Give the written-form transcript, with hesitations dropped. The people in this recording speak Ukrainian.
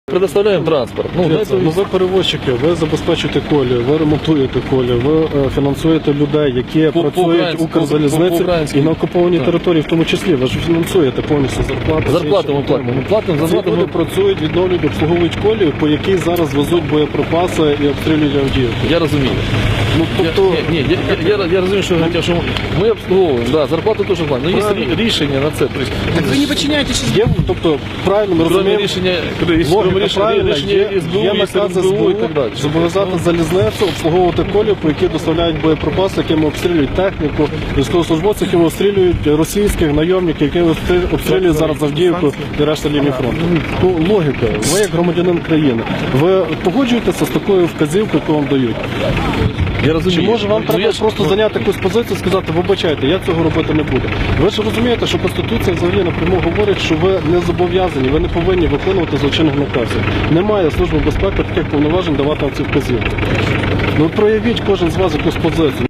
Предоставляємо транспорт. Ви перевозчики, ви забезпечуєте колію, ви ремонтуєте колію, ви фінансуєте людей, які працюють в Укрзалізниці і на окупованій території в тому числі. Ви ж фінансуєте повністю зарплати. Зарплату ми платимо. Ми платимо Ці зарплату. люди працюють, відновлюють, обслуговують колію, по якій зараз везуть боєприпаси і обстрілюють Авдіївку. Я розумію. Ну, тобто... Я розумію, що ми обслуговуємо, да, зарплату теж платимо. Але є рішення на це. Так ви не підчиняєтесь? Тобто, правильно ми розуміємо, Рішення є наказ СБУ і так далі. зобов'язати залізницю обслуговувати колію, по якій доставляють боєприпаси, якими обстрілюють техніку, військовослужбовців, якими обстрілюють російських найомників, якими обстрілюють зараз Авдіївку і решта лінії фронту. Ну, логіка. Ви як громадянин країни, ви погоджуєтеся з такою вказівкою, яку вам дають? Я розумію. Чи може вам треба просто зайняти якусь позицію і сказати, вибачайте, я цього робити не буду? Ви ж розумієте, що Конституція взагалі напряму говорить, що ви не зобов'язані, ви не повинні виконувати злочинних наказів. Немає Служби безпеки таких повноважень давати вам ці вказівки. Ну проявіть кожен з вас якусь позицію.